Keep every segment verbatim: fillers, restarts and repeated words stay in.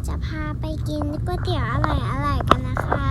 จะพาไปกินก๋วยเตี๋ยวอร่อยๆกันนะคะ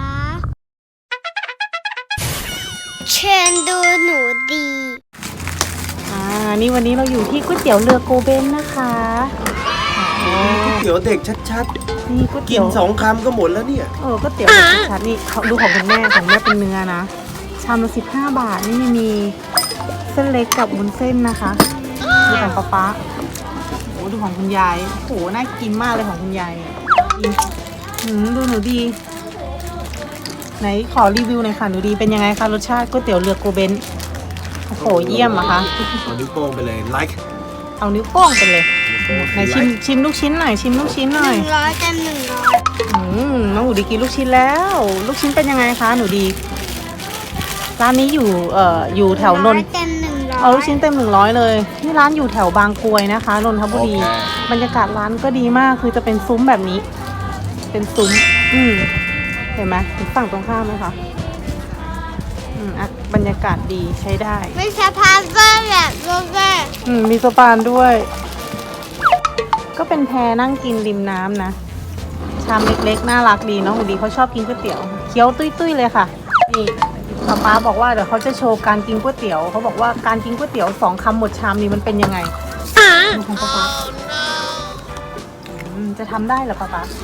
เชิญดูหนูดีอ่านี่วันนี้เราอยู่ที่ก๋วยเตี๋ยวเรือโกเบนนะคะก๋วยเตี๋ยวเด็กชัดนี่ก๋วยๆ กิเตี๋ยนวสองคำก็หมดแล้วเนี่ยเออก๋วยเตี๋ยวเด็กชัดนี่เขาดูของคุณแม่ของแม่เป็นเนื้อนะชามละสิบห้าบาทนี่มีเส้นเล็กกับวุ้นเส้นนะคะดูของป๊าป๊าโอ้ดูของคุณยายโอ้น่ากินมากเลยของคุณยายอืมดูหนูดีไหนขอรีวิวหน่อยค่ะหนูดีเป็นยังไงคะรสชาติก๋วยเตี๋ยวเรือโกเบนโอ้โหเยี่ยมอะคะเอานิ้วโป้งไปเลย like เอานิ้วโป้งไปเลยไหนชิมชิมลูกชิ้นหน่อยชิมลูกชิ้นหน่อยหนึ่งร้อยเต็มหนึ่งร้อยอืมน้องหนูดีกินลูกชิ้นแล้ว ลูกชิ้นเป็นยังไงคะหนูดีร้านนี้อยู่เอ่ออยู่แถวนนท์เต็มหนึ่งร้อยเอาลูกชิ้นเต็มหนึ่งร้อยเลยนี่ร้านอยู่แถวบางกรวยนะคะนนทบุรีบรรยากาศร้านก็ดีมากคือจะเป็นซุ้มแบบนี้ เป็นซุ้มอืมเห็นไหมฝั่งตรงข้ามไหมคะอืมอ่ะบรรยากาศดีใช้ได้ไม่ใช่พาสต้าแบบโรเซ่อืมมีสะพานด้วย ก็เป็นแพนั่งกินริมน้ำนะชามเล็กๆน่ารักดีน้องหนูดีเขาชอบกินก๋วยเตี๋ยวเคี้ยวตุ้ยๆเลยค่ะนี่ป๊าป๊าบอกว่าเดี๋ยวเขาจะโชว์การกินก๋วยเตี๋ยวเขาบอกว่าการกินก๋วยเตี๋ยวสองคำหมดชามนี้มันเป็นยังไงดูของป๊าป๊าอืมจะทำได้เหรอป๊าป๊า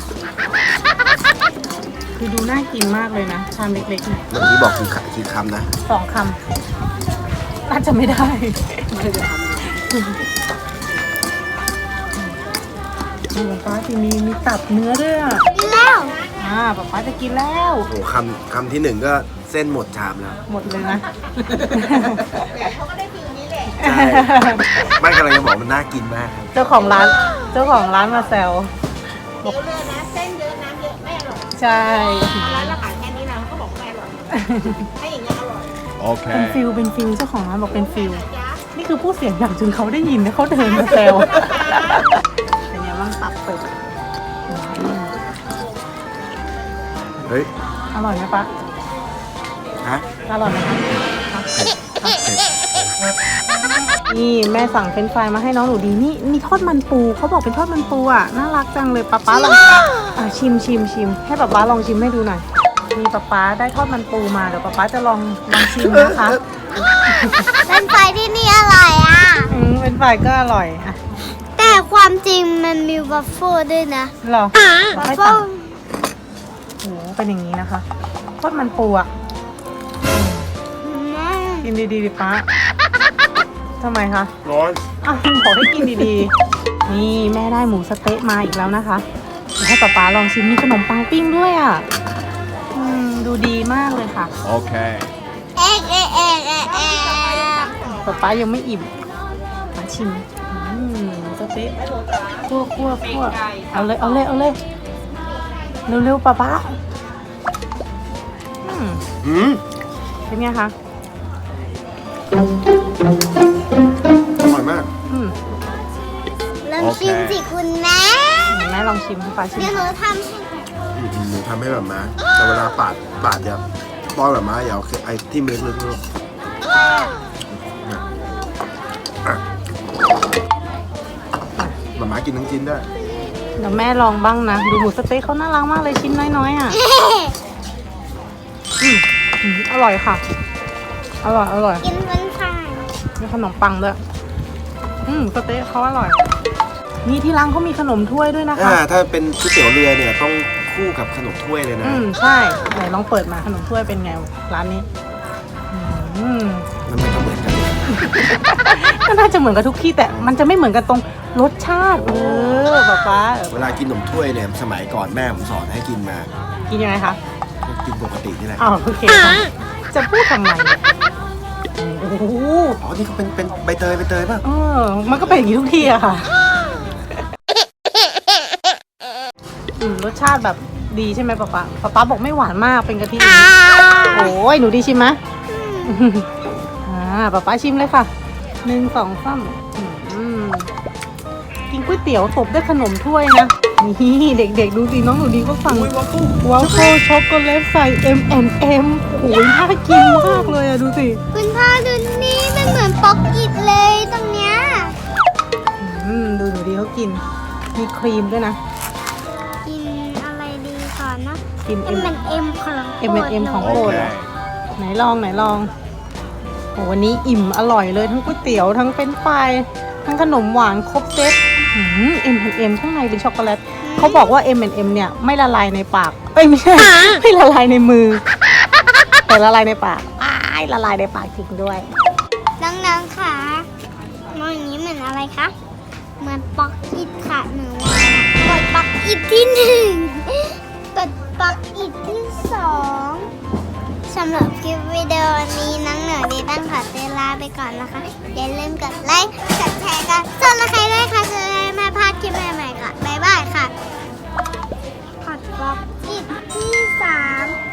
คือดูน่ากินมากเลยนะชามเล็กๆเนี่ยเมื่อกี้บอกคือคือคำนะสองคำน่าจะไม่ได้ไม่ได้ทำป๊าป๊าที่มีมีตับเนื้อด้วยอ่ะกินแล้วอ่าป๊าป๊าจะกินแล้วโอ้คำคำที่หนึ่งก็เส้นหมดชามแล้วหมดเลยนะใช่ไม่กำลังจะบอกมันน่ากินมากครับเจ้าของร้านเจ้าของร้านมาแซวเดี๋ยวเลยนะเส้นเยอะน้ำเยอะไม่อร่อยใช่ร้านเราขายแค่นี้นะเขาก็บอกไม่อร่อยถ้าอย่างเงี้ยอร่อยโอเคเป็นฟิลเป็นฟิลเจ้าของร้านบอกเป็นฟิลนี่คือผู้เสียงดังจนเขาได้ยินนะเขาเดินมาแซวเป็นไงบ้างตับเป็ดเฮ้ยอร่อยไหมป๊าฮะอร่อยไหมคะเผ็ดเผ็ดนี่แม่สั่งเฟรนช์ฟรายมาให้น้องหนูดีนี่มีทอดมันปูเขาบอกเป็นทอดมันปูอ่ะน่ารักจังเลยป๊าป๊าลองอ่ะชิมชิมชิมให้ป๊าป๊าลองชิมให้ดูหน่อยมีป๊าป๊าได้ทอดมันปูมาเดี๋ยวป๊าป๊าจะลองลองชิมนะคะเป็นไฟที่นี่อร่อยอ่ะอืมเป็นฝ่ายก็อร่อยอ่ะแต่ความจริงมันมีวัฟเฟิลด้วยนะหรอวัฟไม่เฟิต่าลงโหเป็นอย่างนี้นะคะทอดมันปูอ่ะกินดีๆดิป๊าทำไมคะร้อนอ้าวบอกให้กินดีๆนี่แม่ได้หมูสะเต๊ะมาอีกแล้วนะคะเดี๋ยวให้ป๊าป๊าลองชิมมีขนมปังปิ้งด้วยอ่ะอืมดูดีมากเลยค่ะโอเคเอ๊ะเอ๊ะเอ๊ะเอ๊ะเอ๊ะป๊าป๊ายังไม่อิ่มมาชิมอืมหมูสะเต๊ะคั่วคั่วคั่วเอาเลยเอาเลยเอาเลยเร็วๆป๊าป๊าอืมอืมเป็นไงคะอร่อยมากอืมลองชิมสิคุณแม่แม่ลองชิมให้ป๊าชิมเดี๋ยวหนูทำให้อืมหนูทำให้แบบมาแต่เวลาปาดปาดอย่าป้อนแบบมาอย่าเอาไอ้ที่เม็ดลึกๆแบบมากินทั้งชิ้นได้เดี๋ยวแม่ลองบ้างนะดูหมูสะเต๊ะเขาน่ารักมากเลยชิ้นน้อยๆอ่ะอืมอืมอร่อยค่ะอร่อยอร่อยกินเป็นไฟมีขนมปังด้วยอืมสเต๊ะเขาอร่อยนี่ที่ร้านเขามีขนมถ้วยด้วยนะคะอ่าถ้าเป็นก๋วยเตี๋ยวเรือเนี่ยต้องคู่กับขนมถ้วยเลยนะอืมใช่ไหนลองเปิดมาขนมถ้วยเป็นไงร้านนี้อืมมันไม่เหมือนกันก็น่าจะเหมือนกับทุกที่แต่มันจะไม่เหมือนกันตรงรสชาติเออป๊าป๊าเวลากินขนมถ้วยเนี่ยสมัยก่อนแม่ผมสอนให้กินมากินยังไงคะก็กินปกตินี่แหละอ้าวโอเคค่ะจะพูดทำไมเนี่ยโอ้โหอ๋อนี่เขาเป็นเป็นใบเตยใบเตยป่ะเออมันก็เป็นอย่างนี้ทุกที่อะค่ะอืมรสชาติแบบดีใช่ไหมป๊าป๊าป๊าป๊าบอกไม่หวานมากเป็นกะทิโอ้ยหนูดีชิมไหมอ่าป๊าป๊าชิมเลยค่ะหนึ่งสองสามอืมกินก๋วยเตี๋ยวตบด้วยขนมถ้วยนะนี่เด็กๆดูสิน้องหนูดีก็สั่งวาฟเฟิลช็อกโกแลตใส่ เอ็ม แอนด์ เอ็ม โอ้ยน่ากินมากเลยอะดูสิคุณพ่อดูนี่มันเหมือนป๊อกอิดเลยตรงเนี้ยอืมดูหนูดีเขากินมีครีมด้วยนะกินเอ็ M มเอ็มของเอ็มเอ็มของโอโปรดเคเหรอ ไหนลองไหนลองโหวันนี้อิ่มอร่อยเลยทั้งก๋วยเตี๋ยวทั้งเฟรนช์ฟรายทั้งขนมหวานครบเซ็ตเอ็มเอ็มข้างในเป็นช็อกโกแลตเขาบอกว่า เอ็ม เอ็ม เนี่ยไม่ละลายในปากเอ้ยไม่ใช่ ไม่ละลายในมือ แต่ละลายในปากอ้ายละลายในปากจริงด้วยน้องๆค่ะมองอย่างนี้เหมือนอะไรคะเหมือนป๊อกอิดค่ะหนูว่ากดป๊อกอิดที่หนึ่งกดป๊อกอิดที่สองสำหรับคลิปวิดีโอนี้น้องเหนือดีตั้งขอตัวลาไปก่อนนะคะ อย่าลืมกดไลค์กดแชร์กันส่วนใครด้วยค่ะจะได้ไม่พลาดคลิปใหม่ๆค่ะบ๊ายบายค่ะกดป๊อกอิดที่สาม